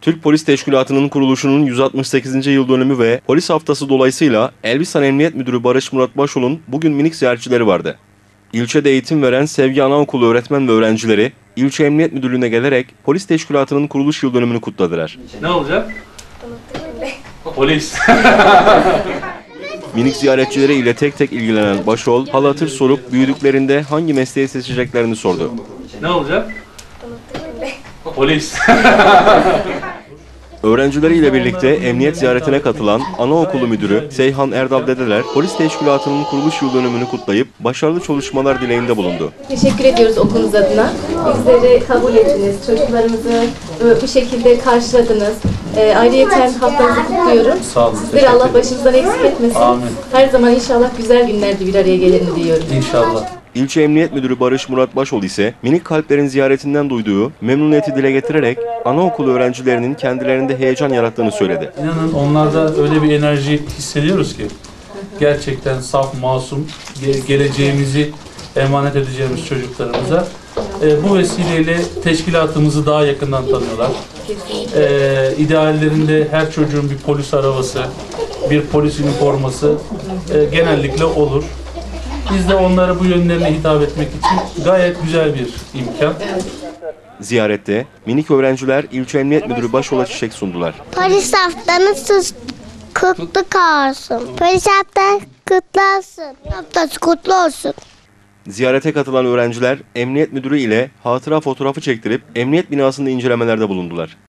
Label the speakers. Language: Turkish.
Speaker 1: Türk Polis Teşkilatı'nın kuruluşunun 168. yıl dönümü ve polis haftası dolayısıyla Elbistan Emniyet Müdürü Barış Murat Başol'un bugün minik ziyaretçileri vardı. İlçede eğitim veren Sevgi Anaokulu öğretmen ve öğrencileri ilçe emniyet müdürlüğüne gelerek polis teşkilatının kuruluş yıl dönümünü kutladılar.
Speaker 2: Ne olacak? Polis.
Speaker 1: Minik ziyaretçileri ile tek tek ilgilenen Başol, hal hatır sorup büyüdüklerinde hangi mesleği seçeceklerini sordu.
Speaker 2: Ne olacak? Polis.
Speaker 1: Öğrencileriyle birlikte emniyet ziyaretine katılan Anaokulu Müdürü Seyhan Erdal Dedeler, polis teşkilatının kuruluş yıl dönümünü kutlayıp başarılı çalışmalar dileğinde bulundu.
Speaker 3: Teşekkür ediyoruz okulunuz adına. Bizleri kabul ettiniz, çocuklarımızı bu şekilde karşıladınız. Ayrıyeten haftanızı kutluyorum.
Speaker 2: Sağ olun.
Speaker 3: Sizleri Allah başımızdan eksik etmesin.
Speaker 2: Amin.
Speaker 3: Her zaman inşallah güzel günlerde bir araya gelelim diyorum.
Speaker 2: İnşallah.
Speaker 1: İlçe Emniyet Müdürü Barış Murat Başol ise minik kalplerin ziyaretinden duyduğu memnuniyeti dile getirerek anaokulu öğrencilerinin kendilerinde heyecan yarattığını söyledi.
Speaker 2: İnanın onlarda öyle bir enerji hissediyoruz ki gerçekten saf, masum, geleceğimizi emanet edeceğimiz çocuklarımıza bu vesileyle teşkilatımızı daha yakından tanıyorlar. İdeallerinde her çocuğun bir polis arabası, bir polis üniforması genellikle olur. Biz de onlara bu yönlerine hitap etmek için gayet güzel bir imkan.
Speaker 1: Ziyarette minik öğrenciler İlçe Emniyet Müdürü Başol'a çiçek sundular.
Speaker 4: Polis haftanız kutlu olsun. Polis haftanız kutlu olsun. Haftası kutlu olsun.
Speaker 1: Ziyarete katılan öğrenciler Emniyet Müdürü ile hatıra fotoğrafı çektirip emniyet binasında incelemelerde bulundular.